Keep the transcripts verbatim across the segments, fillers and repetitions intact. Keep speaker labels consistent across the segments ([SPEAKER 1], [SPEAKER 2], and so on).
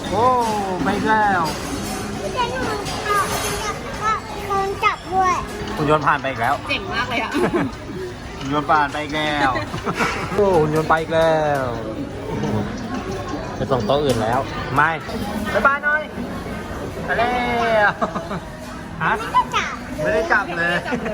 [SPEAKER 1] โอ้ไปแล้ว
[SPEAKER 2] พี่เจนหนูเอาก็โดนจับด้วย
[SPEAKER 1] หุ่นยนต์ผ่านไปอีกแล้ว
[SPEAKER 3] เจ๋งมากเลยอ่ะ
[SPEAKER 1] หุ่นยนต์ผ่านไปอีกแล้วโอ้หุ่นยนต์ไปอีกแล้วไปส่งโต๊ะอื่นแล้วไม่บ๊ายบายหน่อยไปแล้วฮะ
[SPEAKER 2] ก็จับ
[SPEAKER 1] ไม่ได้จับเลย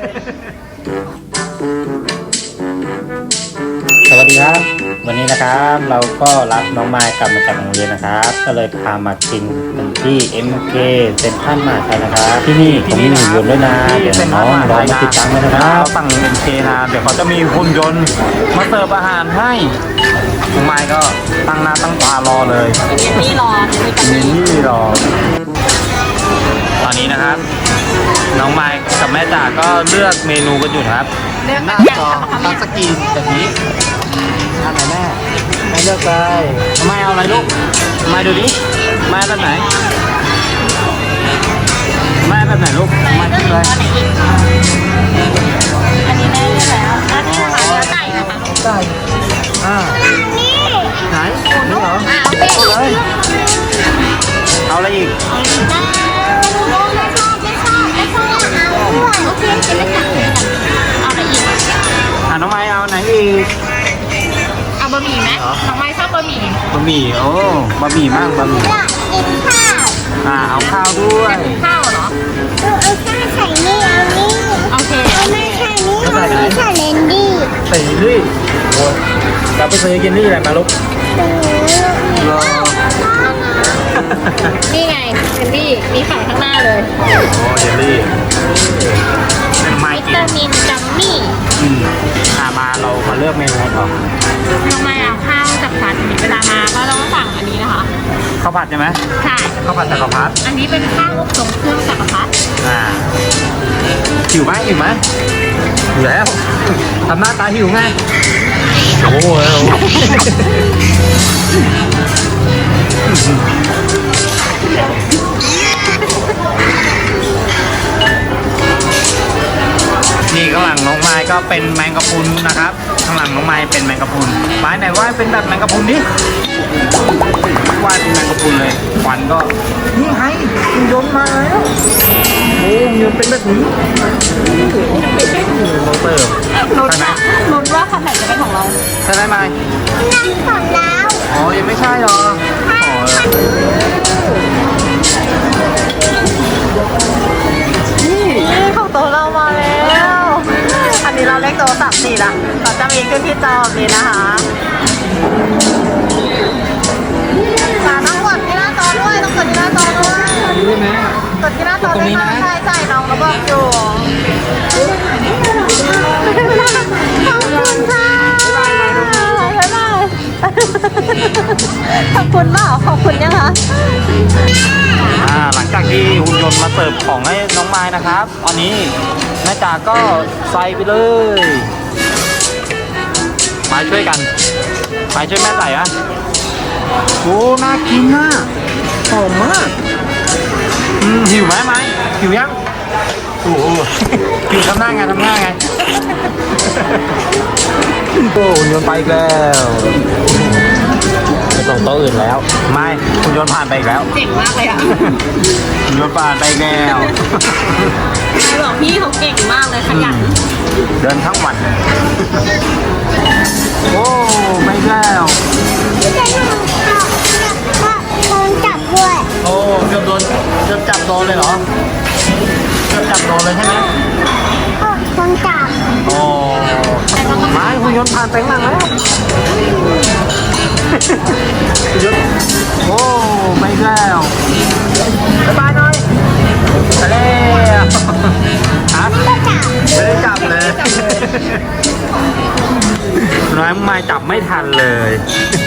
[SPEAKER 1] สวัสดีครับ วันนี้นะครับเราก็รับน้องไมค์กลับมาจากโรงเรียนนะครับ ก็เลยพามากินกันที่ เอ็ม เค เซ็นทรัลมหาชัยนะครับ ที่นี่ผมมีหุ่นยนต์ด้วยนะเดี๋ยวน้องลองมาติดตั้งเลยนะครับเขาสั่ง เอ็ม เค นะเดี๋ยวเขาจะมีหุ่นยนต์มาเสิร์ฟอาหารให้น้องไมค์ก็ตั้งหน้าตั้งตารอเลย
[SPEAKER 3] เย็นนี่รอมีกัน
[SPEAKER 1] นี่นี่รอตอนนี้นะครับ น้องไมค์กับแม่จ๋าก็เลือกเมนูกันอยู่นะครับ
[SPEAKER 3] เลือก
[SPEAKER 1] หน้า
[SPEAKER 3] แกะ
[SPEAKER 1] จอ
[SPEAKER 3] ทำ
[SPEAKER 1] ทั
[SPEAKER 3] ยั
[SPEAKER 1] ช
[SPEAKER 3] ง
[SPEAKER 1] สกรีนแบบนี้อันไหนแม่แม่เลือกเลยไม่เอาอะไรลูกไม่ดูดิแม่แบบไหนแม่แบบไหนลูกไม่เลือกเลย
[SPEAKER 3] อันนี้แม่เลือกแล้วอันนี้นะคะเนื้อไก่นะคะ
[SPEAKER 1] ไก่อ่า
[SPEAKER 2] นี่
[SPEAKER 1] ไหนนี่เหรอ
[SPEAKER 3] อ่าโอเค
[SPEAKER 1] เอาเลยเอาอะไรอีก
[SPEAKER 2] ไม่ชอบไม่ชอบไม่ชอบไม่ชอบเอาด้วย
[SPEAKER 3] โอเคจะไม่ตัดเลยเอาอะไรอีก
[SPEAKER 1] อ่าน้องไม้เอาไหนอีก
[SPEAKER 3] เอาบะหมี่ไหมน้องไม้ชอบบะหมี่
[SPEAKER 1] บะหมี่โอ้บะหมี่มากบะหมี่
[SPEAKER 2] อยากกินข้าว
[SPEAKER 1] อ่าเอาข้าวด้วย
[SPEAKER 3] ข้าวเหรอ
[SPEAKER 2] เอาเอาข้าวใส่นี่เอานี่
[SPEAKER 3] โอเค
[SPEAKER 2] เอาไม่ใส่นี่เอานี่ใส่เลนดี้
[SPEAKER 1] ใส่เยลลี่โอ้เราไปซื้อเยลลี่อะไรมาลูก
[SPEAKER 2] ซื้อ
[SPEAKER 1] รอ
[SPEAKER 3] นี่ไงเคนดี้มีขายข้างหน้าเลย
[SPEAKER 1] โอ้เยลลี่เป็นไม้
[SPEAKER 3] วิ
[SPEAKER 1] กิน
[SPEAKER 3] ตามินจัมมี่
[SPEAKER 1] อืมอ่ามาเรามาเลือกเมนูกันก่อน
[SPEAKER 3] น้องไม้เอาข้าวจากพันเวลามาก็ต้องสั่งอันนี้นะคะ
[SPEAKER 1] ข้าวผัดใช่ไหม
[SPEAKER 3] ใช่
[SPEAKER 1] ข้าวผัดจักรพรรดิ
[SPEAKER 3] อันนี้เป็นข้าวอบทรงเครื่องจักรพรรดิ
[SPEAKER 1] อ่าหิวไหมหิวไหมหิวแล้วทำหน้าตาหิวไงโอ้โหนี่ข้างหลังน้องไม้ก็เป็นแมงกะพรุนนะครับ ข้างหลังน้องไม้เป็นแมงกะพรุนไม้ไหนว่าเป็นแบบแมงกะพรุนดิวาดเป็นแมงกะพรุนเลยควันก็นี่ไงหุ่นยนต์มาแล้วโอ้หุ่นยนต์เป็นแบบนี้เราเติม
[SPEAKER 3] ลุ้น
[SPEAKER 1] ใช่ไหม
[SPEAKER 3] ว่าลุ้นว่าคันไหนจะเป็นของเรา
[SPEAKER 1] ใช่ไหมไม้
[SPEAKER 2] นั่งก่อนแล้ว
[SPEAKER 1] อ๋อยังไม่ใช่หรออ๋อ
[SPEAKER 3] นี่ของโตเรามาแล้ว อันนี้เราเลขโตสามสี่ละเราจะมีขึ้นที่จอนี้นะคะสาต้องกดที่หน้าจอด้วยต้องกดที่หน้าจอด้วย
[SPEAKER 1] ใช่ไหม
[SPEAKER 3] กดที่หน้าจอด้วยค่ะใช่ใช่น้องเราบอกอยู่ขอบคุณค่ะบ๊ายบายขอบคุณเปล่าขอบคุณยังคะ
[SPEAKER 1] อ่าหลังจากที่หุ่นยนต์มาเสิร์ฟของให้น้องไม้นะครับตอนนี้แม่จ๋าก็ใส่ไปเลยไม้ช่วยกันไม้ช่วยแม่ใส่อะโอ้น่ากินน่ะหอมมากอืมหิวไหมไม้หิวยังโอ้โหหิวทำหน้าไงทำหน้าไงโอ้หุ่นยนต์ไปอีกแล้วไปส่งโต๊ะอื่นแล้วไม่หุ่นยนต์ผ่านไปอีกแล้ว
[SPEAKER 3] เจ๋งมากเลยอ่ะ
[SPEAKER 1] หุ่นยนต์ผ่านไปอีกแล้ว
[SPEAKER 3] หลวงพี่เขาเก่งมากเลยขยัน
[SPEAKER 1] เดินทั้งวัน โอ้ไปอีกแล้ว
[SPEAKER 2] พี่เจนหนูเอาก็โดนจับด้วย
[SPEAKER 1] โอ้เกือบโดนเกือบจับโดนเลยเหรอเกือบจับโดนเลยใช่ไหม
[SPEAKER 2] ก็โดนจับ
[SPEAKER 1] โอ้ไม้หุ่นยนต์ผ่านไปข้างหลังแล้วหุ่นยนต์โอ้ไปอีกแล้วบ๊ายบายหน่อยไปแล้วฮะ
[SPEAKER 2] ก็จับ
[SPEAKER 1] ไม่ได้จับเลยน้อยไม่จับไม่ทันเลย